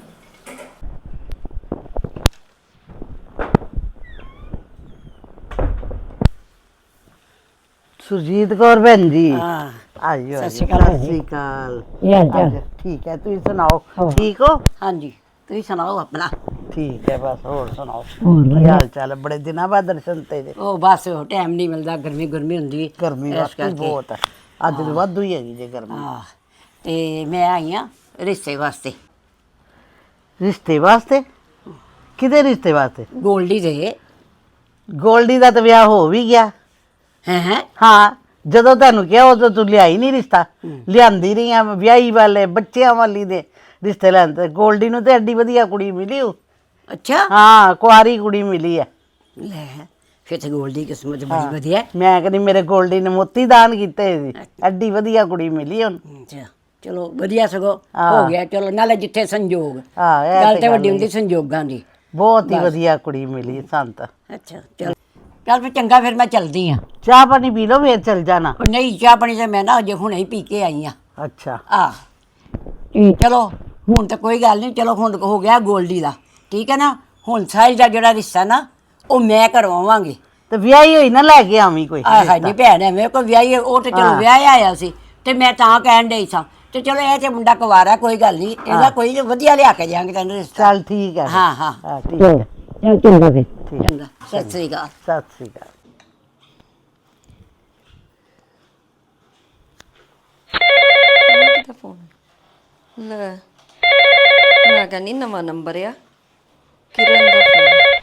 D: ਸੁਰਜੀਤ ਕੌਰ ਭੈਣ ਜੀ।
E: ਹਾਂ
D: ਆਜੋ
E: ਸਤਿ
D: ਆਜੋ।
E: ਸ਼੍ਰੀ ਅਕਾਲ
D: ਸਤਿ ਸ਼੍ਰੀ ਅਕਾਲ।
E: ਕੀ ਹਾਲ ਚਾਲ?
D: ਆਜੋ, ਠੀਕ ਹੈ, ਤੁਸੀਂ ਸੁਣਾਓ ਠੀਕ ਹੋ?
E: ਹਾਂਜੀ ਤੁਸੀਂ ਸੁਣਾਓ ਆਪਣਾ।
D: ਠੀਕ ਹੈ, ਬਸ ਹੋਰ ਸੁਣਾਓ ਕੀ ਹਾਲ ਚਾਲ ਹੈ? ਬੜੇ ਦਿਨਾਂ ਬਾਅਦ ਦਰਸ਼ਨ ਤੇਰੇ।
E: ਉਹ ਬਸ ਟਾਈਮ ਨਹੀਂ ਮਿਲਦਾ, ਗਰਮੀ ਗਰਮੀ ਹੁੰਦੀ
D: ਗਰਮੀ
E: ਇਸ
D: ਵਾਕਈ
E: ਕਰਕੇ।
D: ਬਹੁਤ ਹੈ, ਅੱਜ ਤਾਂ ਵਾਧੂ ਹੀ ਹੈਗੀ ਜੇ ਗਰਮੀ।
E: ਹਾਂ ਤੇ ਮੈਂ ਆਈ ਆ ਰਿਸ਼ਤੇ ਵਾਸਤੇ।
D: ਰਿਸ਼ਤੇ ਵਾਸਤੇ? ਕਿਹਦੇ ਰਿਸ਼ਤੇ ਵਾਸਤੇ?
E: ਗੋਲਡੀ ਦੇ।
D: ਗੋਲਡੀ ਦਾ ਤਾਂ ਵਿਆਹ ਹੋ ਵੀ ਗਿਆ।
E: ਹੈ
D: ਹਾਂ, ਜਦੋਂ ਤੁਹਾਨੂੰ ਕਿਹਾ ਉਦੋਂ ਤੂੰ ਲਿਆਈ ਨਹੀਂ ਰਿਸ਼ਤਾ। ਲਿਆਂਦੀ ਰਹੀ ਆ, ਵਿਆਹੀ ਵਾਲੇ ਬੱਚਿਆਂ ਵਾਲੀ ਦੇ ਰਿਸ਼ਤੇ ਲੈਣ ਤੇ ਗੋਲਡੀ ਨੂੰ ਤੇ ਐਡੀ ਵਧੀਆ ਕੁੜੀ ਮਿਲੀ ਉਹ।
E: ਅੱਛਾ
D: ਹਾਂ, ਕੁਆਰੀ ਕੁੜੀ ਮਿਲੀ ਹੈ।
E: ਲੈ ਫਿਰ ਤੇ ਗੋਲਡੀ ਕਿਸਮਤ ਬੜੀ ਵਧੀਆ।
D: ਮੈਂ ਕਹਿੰਦੀ ਮੇਰੇ ਗੋਲਡੀ ਨੇ ਮੋਤੀ ਦਾਨ ਕੀਤੇ ਸੀ, ਐਡੀ ਵਧੀਆ ਕੁੜੀ ਮਿਲੀ ਉਹਨੂੰ।
E: ਅੱਛਾ ਚਲੋ ਵਧੀਆ, ਸਗੋਂ
D: ਹਾਂ।
E: ਹੋ ਗਿਆ। ਚਲੋ ਨਾਲੇ ਜਿੱਥੇ ਸੰਜੋਗ,
D: ਹਾਂ, ਇਹ
E: ਗੱਲ
D: ਤੇ
E: ਤੇ ਵੱਡੀ
D: ਗੱਲ
E: ਹੁੰਦੀ ਸੰਜੋਗਾਂ ਦੀ।
D: ਬਹੁਤ ਹੀ ਵਧੀਆ ਕੁੜੀ ਮਿਲੀ ਸੰਤ।
E: ਅੱਛਾ ਚਲ ਚੱਲ ਫਿਰ ਚੰਗਾ, ਫਿਰ ਮੈਂ ਚਲਦੀ ਆ।
D: ਚਾਹ ਪਾਣੀ ਪੀ ਲਓ ਫੇਰ ਚਲ ਜਾਣਾ।
E: ਉਹ ਨਹੀਂ ਚਾਹ ਪਾਣੀ ਤੇ ਮੈਂ ਨਾ ਅਜੇ ਹੁਣੇ ਹੀ ਪੀ ਕੇ ਆਈ ਆ।
D: ਅੱਛਾ
E: ਆ ਚਲੋ ਹੁਣ ਤਾਂ ਕੋਈ ਗੱਲ ਨਹੀਂ, ਚਲੋ ਹੁਣ ਹੋ ਗਿਆ ਗੋਲਡੀ ਦਾ, ਠੀਕ ਹੈ ਨਾ। ਹੁਣ ਸਾਈ ਦਾ ਜਿਹੜਾ ਰਿਸ਼ਤਾ ਨਾ ਉਹ ਮੈਂ ਕਰਵਾਵਾਂਗੀ।
D: ਤੇ ਵਿਆਹੀ ਹੋਈ ਨਾ ਲੈ ਕੇ ਆਵੀਂ ਕੋਈ।
E: ਆਹ ਹੈ ਨਹੀਂ ਭੈਣ ਐ ਮੇਰੇ ਕੋਲ ਵਿਆਹੀ, ਉਹ ਤੇ ਚਲੋ ਵਿਆਹ ਆਇਆ ਸੀ ਤੇ ਮੈਂ ਤਾਂ ਕਹਿਣ ਡਈ ਸਾਂ ਤੇ ਚਲੋ ਇਹ ਤੇ ਮੁੰਡਾ ਕੁਵਾਰਾ, ਕੋਈ ਗੱਲ ਨਹੀਂ, ਇਹਦਾ ਕੋਈ ਵਧੀਆ ਲਿਆ ਕੇ ਜਾਵਾਂਗੇ ਤੈਨੂੰ ਰਿਸ਼ਤਾ।
D: ਚੱਲ ਠੀਕ ਹੈ ਫਿਰ।
E: ਹਾਂ ਹਾਂ
D: ਹਾਂ ਠੀਕ ਹੈ।
E: ਚਲ ਚੰਗਾ ਫਿਰ, ਚੰਗਾ ਸਤਿ ਸ੍ਰੀ ਅਕਾਲ।
D: ਸਤਿ ਸ੍ਰੀ ਅਕਾਲ।
F: ਕਿਹਦਾ ਫੋਨ ਲੈ, ਮੈਂ ਕਹਿੰਦੀ ਨਵਾਂ ਨੰਬਰ ਆ, ਕਿਰਨ ਦਾ ਫੋਨ।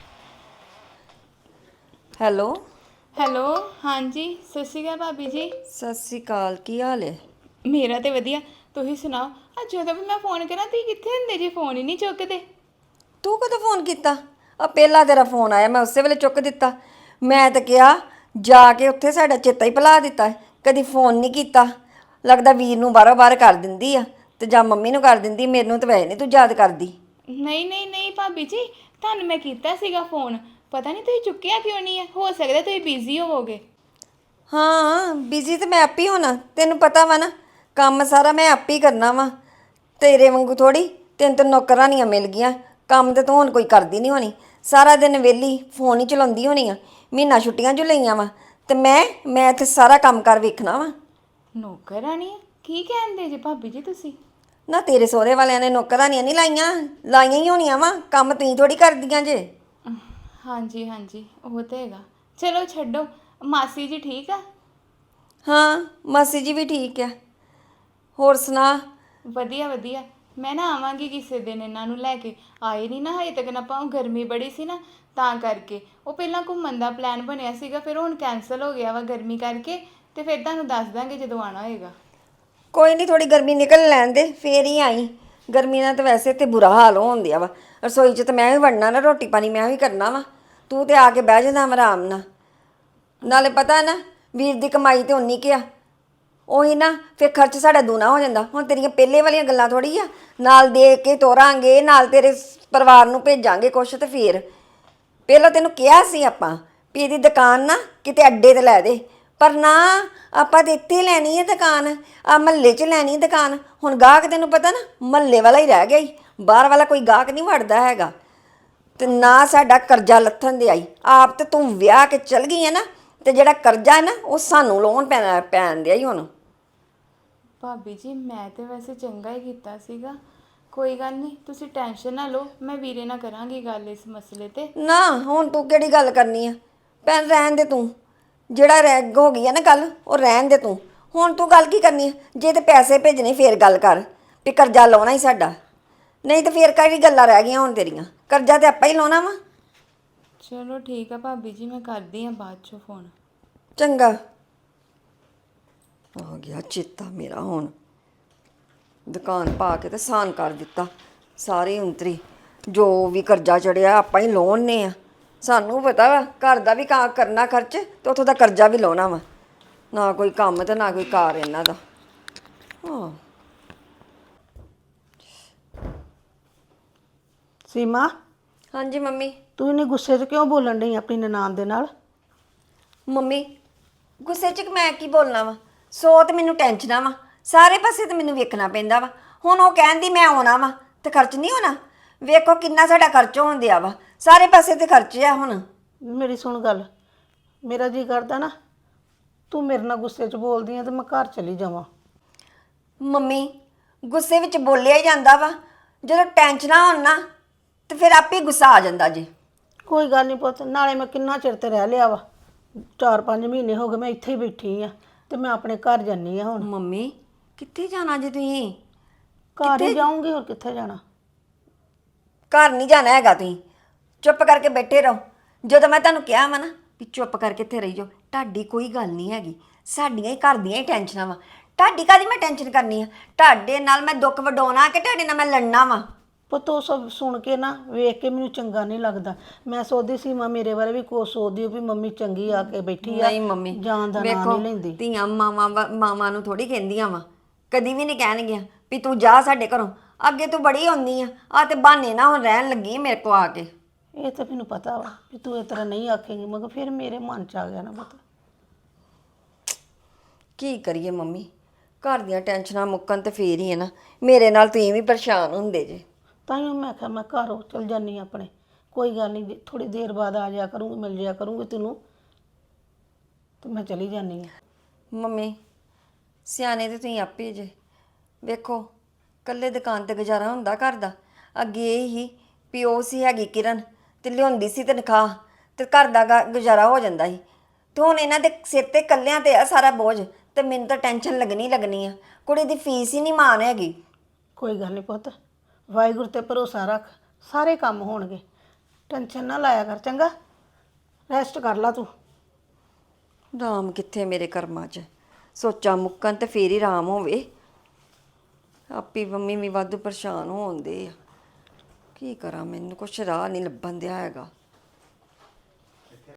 F: ਹੈਲੋ
B: ਹੈਲੋ, ਹਾਂਜੀ ਸਤਿ ਸ਼੍ਰੀ ਅਕਾਲ ਭਾਬੀ ਜੀ।
F: ਸਤਿ ਸ੍ਰੀ ਅਕਾਲ, ਕੀ ਹਾਲ ਹੈ?
B: ਮੇਰਾ ਤੇ ਵਧੀਆ, ਤੁਸੀਂ ਸੁਣਾਓ। ਆ ਜਦੋਂ ਵੀ ਮੈਂ ਫੋਨ ਕਰਾਂ ਤੁਸੀਂ ਕਿੱਥੇ ਹੁੰਦੇ ਜੀ? ਫੋਨ ਹੀ ਨਹੀਂ ਚੁੱਕਦੇ।
F: ਤੂੰ ਕਦੋਂ ਫੋਨ ਕੀਤਾ? ਆ ਪਹਿਲਾਂ ਤੇਰਾ ਫੋਨ ਆਇਆ, ਮੈਂ ਉਸੇ ਵੇਲੇ ਚੁੱਕ ਦਿੱਤਾ। ਮੈਂ ਤਾਂ ਕਿਹਾ ਜਾ ਕੇ ਉੱਥੇ ਸਾਡਾ ਚੇਤਾ ਹੀ ਭੁਲਾ ਦਿੱਤਾ, ਕਦੀ ਫੋਨ ਨਹੀਂ ਕੀਤਾ। ਲੱਗਦਾ ਵੀਰ ਨੂੰ ਬਾਰੋ ਬਾਰ ਕਰ ਦਿੰਦੀ ਆ ਤੇ ਜਾਂ ਮੰਮੀ ਨੂੰ ਕਰ ਦਿੰਦੀ, ਮੈਨੂੰ ਤਾਂ ਵੈਸੇ ਨਹੀਂ ਤੂੰ ਯਾਦ ਕਰਦੀ।
B: ਨਹੀਂ ਨਹੀਂ ਨਹੀਂ ਭਾਬੀ ਜੀ, ਤੁਹਾਨੂੰ ਮੈਂ ਕੀਤਾ ਸੀਗਾ ਫੋਨ, ਪਤਾ ਨਹੀਂ ਤੁਸੀਂ ਚੁੱਕਿਆ ਕਿਉਂ ਨਹੀਂ ਹੈ। ਹੋ ਸਕਦਾ ਤੁਸੀਂ ਬਿਜ਼ੀ ਹੋਵੋਗੇ।
F: ਹਾਂ ਬਿਜ਼ੀ ਤੇ ਮੈਂ ਆਪ ਹੀ ਹੋਣਾ, ਤੈਨੂੰ ਪਤਾ ਵਾ ਨਾ ਕੰਮ ਸਾਰਾ ਮੈਂ ਆਪ ਹੀ ਕਰਨਾ ਵਾ। ਤੇਰੇ ਵਾਂਗੂ ਥੋੜੀ ਤੈਨੂੰ ਤਾਂ ਨੌਕਰਾਨੀਆਂ ਮਿਲ ਗਈਆਂ, ਕੰਮ ਤੇ ਤੂੰ ਹੁਣ ਕੋਈ ਕਰਦੀ ਨਹੀਂ ਹੋਣੀ। ਸਾਰਾ ਦਿਨ ਵਿਹਲੀ ਫੋਨ ਹੀ ਚਲਾਉਂਦੀ ਹੋਣੀ ਆ। ਮਹੀਨਾ ਛੁੱਟੀਆਂ ਜੋ ਲਈਆਂ ਵਾ ਤੇ ਮੈਂ ਇੱਥੇ ਸਾਰਾ ਕੰਮ ਕਰ ਵੇਖਣਾ ਵਾ।
B: ਨੌਕਰਾਣੀ ਕੀ ਕਹਿੰਦੇ ਜੀ ਭਾਬੀ ਜੀ ਤੁਸੀਂ?
F: ਨਾ ਤੇਰੇ ਸਹੁਰੇ ਵਾਲਿਆਂ ਨੇ ਨੌਕਰਾਨੀਆਂ ਨਹੀਂ ਲਾਈਆਂ ਹੀ ਹੋਣੀਆਂ ਵਾ, ਕੰਮ ਤੁਸੀਂ ਥੋੜੀ ਕਰਦੀਆਂ ਜੇ।
B: ਹਾਂਜੀ ਹਾਂਜੀ ਉਹ ਤਾਂ ਹੈਗਾ। ਚਲੋ ਛੱਡੋ, ਮਾਸੀ ਜੀ ਠੀਕ ਆ?
F: ਹਾਂ ਮਾਸੀ ਜੀ ਵੀ ਠੀਕ ਆ। ਹੋਰ ਸੁਣਾ?
B: ਵਧੀਆ ਵਧੀਆ। ਮੈਂ ਨਾ ਆਵਾਂਗੀ ਕਿਸੇ ਦਿਨ, ਇਹਨਾਂ ਨੂੰ ਲੈ ਕੇ। ਆਏ ਨਹੀਂ ਨਾ ਹਜੇ ਤੱਕ ਨਾ, ਆਪਾਂ ਗਰਮੀ ਬੜੀ ਸੀ ਨਾ ਤਾਂ ਕਰਕੇ। ਉਹ ਪਹਿਲਾਂ ਘੁੰਮਣ ਦਾ ਪਲਾਨ ਬਣਿਆ ਸੀਗਾ, ਫਿਰ ਹੁਣ ਕੈਂਸਲ ਹੋ ਗਿਆ ਵਾ ਗਰਮੀ ਕਰਕੇ। ਤੇ ਫਿਰ ਤੁਹਾਨੂੰ ਦੱਸ ਦਾਂਗੇ ਜਦੋਂ ਆਉਣਾ ਹੋਏਗਾ।
F: ਕੋਈ ਨਹੀਂ, ਥੋੜੀ ਗਰਮੀ ਨਿਕਲ ਲੈਣ ਦੇ ਫੇਰ ਹੀ ਆਈ। ਗਰਮੀ ਨਾਲ ਤਾਂ ਵੈਸੇ ਤੇ ਬੁਰਾ ਹਾਲ ਹੋਣ ਦਿਆ ਵਾ। ਰਸੋਈ 'ਚ ਤਾਂ ਮੈਂ ਵੀ ਵੜਨਾ ਨਾ, ਰੋਟੀ ਪਾਣੀ ਮੈਂ ਵੀ ਕਰਨਾ ਵਾ। ਤੂੰ ਤੇ ਆ ਕੇ ਬਹਿ ਜਾਂਦਾ ਆਰਾਮ ਨਾਲ। ਨਾਲੇ ਪਤਾ ਨਾ ਵੀਰ ਦੀ ਕਮਾਈ ਤੇ ਉਨੀ ਕੁ ਆ, ਉਹੀ ਨਾ ਫਿਰ ਖਰਚ ਸਾਡਾ ਦੂਣਾ ਹੋ ਜਾਂਦਾ। ਹੁਣ ਤੇਰੀਆਂ ਪਹਿਲੇ ਵਾਲੀਆਂ ਗੱਲਾਂ ਥੋੜੀ ਆ, ਨਾਲ ਦੇ ਕੇ ਤੋਰਾਂਗੇ, ਨਾਲ ਤੇਰੇ ਪਰਿਵਾਰ ਨੂੰ ਭੇਜਾਂਗੇ ਕੁਛ। ਤੇ ਫਿਰ ਪਹਿਲਾਂ ਤੈਨੂੰ ਕਿਹਾ ਸੀ ਆਪਾਂ ਵੀ ਇਹਦੀ ਦੁਕਾਨ ਨਾ ਕਿਤੇ ਅੱਡੇ ਤੇ ਲੈ ਦੇ, ਪਰ ਨਾ, ਆਪਾਂ ਤੇ ਇੱਥੇ ਲੈਣੀ ਹੈ ਦੁਕਾਨ, ਆ ਮਹੱਲੇ 'ਚ ਲੈਣੀ ਹੈ ਦੁਕਾਨ। ਹੁਣ ਗਾਹਕ ਤੈਨੂੰ ਪਤਾ ਨਾ ਮਹੱਲੇ ਵਾਲਾ ਹੀ ਰਹਿ ਗਿਆ ਈ, ਬਾਹਰ ਵਾਲਾ ਕੋਈ ਗਾਹਕ ਨਹੀਂ ਵੜਦਾ ਹੈਗਾ। ਤੇ ਨਾ ਸਾਡਾ ਕਰਜ਼ਾ ਲੱਥਣ ਦੇ ਆਈ, ਆਪ ਤੇ ਤੂੰ ਵਿਆਹ ਕੇ ਚਲ ਗਈ ਹੈ ਨਾ, ਤੇ ਜਿਹੜਾ ਕਰਜ਼ਾ ਹੈ ਨਾ ਉਹ ਸਾਨੂੰ ਲੋਨ ਪੈਣ ਦਿਆ ਹੀ ਹੁਣ।
B: ਭਾਬੀ ਜੀ ਮੈਂ ਤੇ ਵੈਸੇ ਚੰਗਾ ਹੀ ਕੀਤਾ ਸੀਗਾ, ਕੋਈ ਗੱਲ ਨਹੀਂ, ਤੁਸੀਂ ਟੈਨਸ਼ਨ ਨਾ ਲਓ, ਮੈਂ ਵੀਰੇ ਨਾਲ ਕਰਾਂਗੀ ਗੱਲ ਇਸ ਮਸਲੇ ਤੇ।
F: ਨਾ ਹੁਣ ਤੂੰ ਕਿਹੜੀ ਗੱਲ ਕਰਨੀ ਆ ਭੈਣ, ਰਹਿਣ ਦੇ ਤੂੰ। ਜਿਹੜਾ ਰੈਗ ਹੋ ਗਈ ਆ ਨਾ ਗੱਲ, ਉਹ ਰਹਿਣ ਦੇ ਤੂੰ। ਹੁਣ ਤੂੰ ਗੱਲ ਕੀ ਕਰਨੀ ਆ? ਜੇ ਤੇ ਪੈਸੇ ਭੇਜਣੇ ਫੇਰ ਗੱਲ ਕਰ ਵੀ ਕਰਜ਼ਾ ਲਾਉਣਾ ਹੀ ਸਾਡਾ, ਨਹੀਂ ਤੇ ਫੇਰ ਕਿਹੜੀ ਗੱਲਾਂ ਰਹਿ ਗਈਆਂ ਹੁਣ ਤੇਰੀਆਂ? ਕਰਜ਼ਾ ਤੇ ਆਪਾਂ ਹੀ ਲਾਉਣਾ ਵਾ।
B: ਚਲੋ ਠੀਕ ਆ ਭਾਬੀ ਜੀ, ਮੈਂ ਕਰਦੀ ਹਾਂ ਬਾਅਦ ਚੋਂ ਫੋਨ।
F: ਚੰਗਾ, ਆ ਗਿਆ ਚੇਤਾ ਮੇਰਾ। ਹੁਣ ਦੁਕਾਨ ਪਾ ਕੇ ਤੇ ਸਾਨ ਕਰ ਦਿੱਤਾ, ਸਾਰੀ ਉਂਤਰੀ ਜੋ ਵੀ ਕਰਜ਼ਾ ਚੜਿਆ ਆਪਾਂ ਹੀ ਲਾਉਣੇ ਆ। ਸਾਨੂੰ ਪਤਾ ਵਾ ਘਰ ਦਾ ਵੀ ਕਰਨਾ ਖਰਚ, ਤੇ ਉੱਥੋਂ ਦਾ ਕਰਜ਼ਾ ਵੀ ਲਾਉਣਾ ਵਾ। ਨਾ ਕੋਈ ਕੰਮ ਤੇ ਨਾ ਕੋਈ ਕਾਰ ਇਹਨਾਂ ਦਾ। ਹਾਂ
D: ਸੀਮਾ,
F: ਹਾਂਜੀ ਮੰਮੀ।
D: ਤੂੰ ਇੰਨੇ ਗੁੱਸੇ 'ਚ ਕਿਉਂ ਬੋਲਣ ਡਈ ਆਪਣੀ ਨਨਾਣ ਦੇ ਨਾਲ?
F: ਮੰਮੀ ਗੁੱਸੇ 'ਚ ਮੈਂ ਕੀ ਬੋਲਣਾ ਵਾ? ਸੋ ਤੇ ਮੈਨੂੰ ਟੈਨਸ਼ਨਾਂ ਵਾ, ਸਾਰੇ ਪਾਸੇ ਤੇ ਮੈਨੂੰ ਵੇਖਣਾ ਪੈਂਦਾ ਵਾ। ਹੁਣ ਉਹ ਕਹਿੰਦੀ ਮੈਂ ਆਉਣਾ ਵਾ ਤੇ ਖਰਚ ਨਹੀਂ ਹੋਣਾ? ਵੇਖੋ ਕਿੰਨਾ ਸਾਡਾ ਖਰਚ ਹੋਣ ਦਿਆ ਵਾ, ਸਾਰੇ ਪਾਸੇ ਤੇ ਖਰਚ ਆ ਹੁਣ।
D: ਮੇਰੀ ਸੁਣ ਗੱਲ, ਮੇਰਾ ਜੀ ਕਰਦਾ ਨਾ ਤੂੰ ਮੇਰੇ ਨਾਲ ਗੁੱਸੇ 'ਚ ਬੋਲਦੀ ਆ ਤੇ ਮੈਂ ਘਰ ਚਲੀ ਜਾਵਾਂ।
F: ਮੰਮੀ ਗੁੱਸੇ ਵਿੱਚ ਬੋਲਿਆ ਹੀ ਜਾਂਦਾ ਵਾ, ਜਦੋਂ ਟੈਨਸ਼ਨਾਂ ਹੋਣ ਨਾ ਤੇ ਫਿਰ ਆਪੇ ਗੁੱਸਾ ਆ ਜਾਂਦਾ ਜੀ।
D: ਕੋਈ ਗੱਲ ਨਹੀਂ ਪੁੱਤ, ਨਾਲੇ ਮੈਂ ਕਿੰਨਾ ਚਿਰ ਤੇ ਰਹਿ ਲਿਆ ਵਾ, 4-5 ਮਹੀਨੇ ਹੋ ਗਏ ਮੈਂ ਇੱਥੇ ਹੀ ਬੈਠੀ ਆ, ਤੇ ਮੈਂ ਆਪਣੇ ਘਰ ਜਾਨੀ ਆ ਹੁਣ।
F: ਮੰਮੀ ਕਿੱਥੇ ਜਾਣਾ ਜੀ ਤੁਸੀਂ?
D: ਘਰ ਹੀ ਜਾਊਂਗੀ, ਹੋਰ ਕਿੱਥੇ ਜਾਣਾ?
F: ਘਰ ਨਹੀਂ ਜਾਣਾ ਹੈਗਾ, ਤੁਸੀਂ ਚੁੱਪ ਕਰਕੇ ਬੈਠੇ ਰਹੋ। ਜਦੋਂ ਮੈਂ ਤੁਹਾਨੂੰ ਕਿਹਾ ਵਾ ਨਾ ਵੀ ਚੁੱਪ ਕਰਕੇ ਇੱਥੇ ਰਹੀ ਜਾਓ, ਤੁਹਾਡੀ ਕੋਈ ਗੱਲ ਨਹੀਂ ਹੈਗੀ, ਸਾਡੀਆਂ ਹੀ ਘਰ ਦੀਆਂ ਹੀ ਟੈਨਸ਼ਨਾਂ ਵਾ। ਤੁਹਾਡੀ ਕਾਹਦੀ ਮੈਂ ਟੈਨਸ਼ਨ ਕਰਨੀ ਆ? ਤੁਹਾਡੇ ਨਾਲ ਮੈਂ ਦੁੱਖ ਵਡਾਉਣਾ ਕਿ ਤੁਹਾਡੇ ਨਾਲ ਮੈਂ ਲੜਨਾ ਵਾ?
D: ਪੁੱਤ ਉਹ ਸਭ ਸੁਣ ਕੇ ਨਾ, ਵੇਖ ਕੇ ਮੈਨੂੰ ਚੰਗਾ ਨਹੀਂ ਲੱਗਦਾ। ਮੈਂ ਸੋਚਦੀ ਸੀ ਮਾਂ ਮੇਰੇ ਬਾਰੇ ਵੀ ਕੁਛ ਸੋਚਦੀ ਹੋ ਵੀ ਮੰਮੀ ਚੰਗੀ ਆ ਕੇ ਬੈਠੀ ਆ,
F: ਨਹੀਂ ਮੰਮੀ,
D: ਜਾਨ ਦਾ ਨਾਂ
F: ਵੇਖੋ
D: ਨਹੀਂ ਲੈਂਦੀ।
F: ਧੀਆਂ ਮਾਵਾਂ ਨੂੰ ਥੋੜੀ ਕਹਿੰਦੀਆਂ ਵਾ, ਕਦੀ ਵੀ ਨਹੀਂ ਕਹਿਣਗੀਆਂ ਵੀ ਤੂੰ ਜਾ ਸਾਡੇ ਘਰੋਂ। ਅੱਗੇ ਤੂੰ ਬੜੀ ਆਉਂਦੀ ਆ ਤੇ ਬਹਾਨੇ ਨਾ ਹੁਣ ਰਹਿਣ ਲੱਗੀ ਮੇਰੇ ਕੋ ਆ ਕੇ।
D: ਇਹ ਤਾਂ ਮੈਨੂੰ ਪਤਾ ਵਾ ਵੀ ਤੂੰ ਇਸ ਤਰ੍ਹਾਂ ਨਹੀਂ ਆਖੇਂਗੀ, ਮਗਰ ਫਿਰ ਮੇਰੇ ਮਨ 'ਚ ਆ ਗਿਆ ਨਾ ਪੁੱਤ।
F: ਕੀ ਕਰੀਏ ਮੰਮੀ, ਘਰ ਦੀਆਂ ਟੈਨਸ਼ਨਾਂ ਮੁੱਕਣ ਤੇ ਫੇਰ ਹੀ ਹੈ ਨਾ। ਮੇਰੇ ਨਾਲ ਤੁਸੀਂ ਵੀ ਪਰੇਸ਼ਾਨ ਹੁੰਦੇ ਜੇ।
D: ਤਾਂ ਹੀ ਮੈਂ ਕਿਹਾ ਮੈਂ ਘਰੋਂ ਚਲ ਜਾਨੀ ਆਪਣੇ, ਕੋਈ ਗੱਲ ਨਹੀਂ, ਥੋੜੀ ਦੇਰ ਬਾਅਦ ਆ ਜਾਇਆ ਕਰੂੰਗੀ, ਮਿਲ ਜਾਇਆ ਕਰੂੰਗੀ ਤੈਨੂੰ, ਤੇ ਮੈਂ ਚਲੀ ਜਾਨੀ ਆ।
F: ਮੰਮੀ ਸਿਆਣੇ ਤੇ ਤੁਸੀਂ ਆਪੇ ਜੇ। ਵੇਖੋ ਇਕੱਲੇ ਦੁਕਾਨ ਤੇ ਗੁਜ਼ਾਰਾ ਹੁੰਦਾ ਘਰ ਦਾ? ਅੱਗੇ ਇਹ ਹੀ ਪਿਓ ਸੀ ਹੈਗੀ ਕਿਰਨ, ਤੇ ਲਿਆਉਂਦੀ ਸੀ ਤਨਖਾਹ, ਤੇ ਘਰ ਦਾ ਗੁਜ਼ਾਰਾ ਹੋ ਜਾਂਦਾ ਸੀ। ਤੇ ਹੁਣ ਇਹਨਾਂ ਦੇ ਸਿਰ ਤੇ ਇਕੱਲਿਆਂ ਤੇ ਆ ਸਾਰਾ ਬੋਝ, ਤੇ ਮੈਨੂੰ ਤਾਂ ਟੈਨਸ਼ਨ ਲੱਗਣੀ ਆ। ਕੁੜੀ ਦੀ ਫੀਸ ਹੀ ਨਹੀਂ ਮਾਨ ਹੈਗੀ।
D: ਕੋਈ ਗੱਲ ਨਹੀਂ ਪੁੱਤ, ਵਾਹਿਗੁਰੂ ਤੇ ਭਰੋਸਾ ਰੱਖ, ਸਾਰੇ ਕੰਮ ਹੋਣਗੇ, ਟੈਨਸ਼ਨ ਨਾ ਲਾਇਆ ਕਰ, ਚੰਗਾ? ਰੈਸਟ ਕਰ ਲਾ ਤੂੰ।
F: ਰਾਮ ਕਿੱਥੇ ਮੇਰੇ ਕਰਮਾਂ 'ਚ? ਸੋਚਾਂ ਮੁੱਕਣ ਤੇ ਫੇਰ ਹੀ ਰਾਮ ਹੋਵੇ। ਆਪੀ ਮੰਮੀ ਵੀ ਵਾਧੂ ਪਰੇਸ਼ਾਨ ਹੋਣਦੇ ਆ। ਕੀ ਕਰਾਂ, ਮੈਨੂੰ ਕੁਛ ਰਾਹ ਨਹੀਂ ਲੱਭਣ ਦਿਆ ਹੈਗਾ।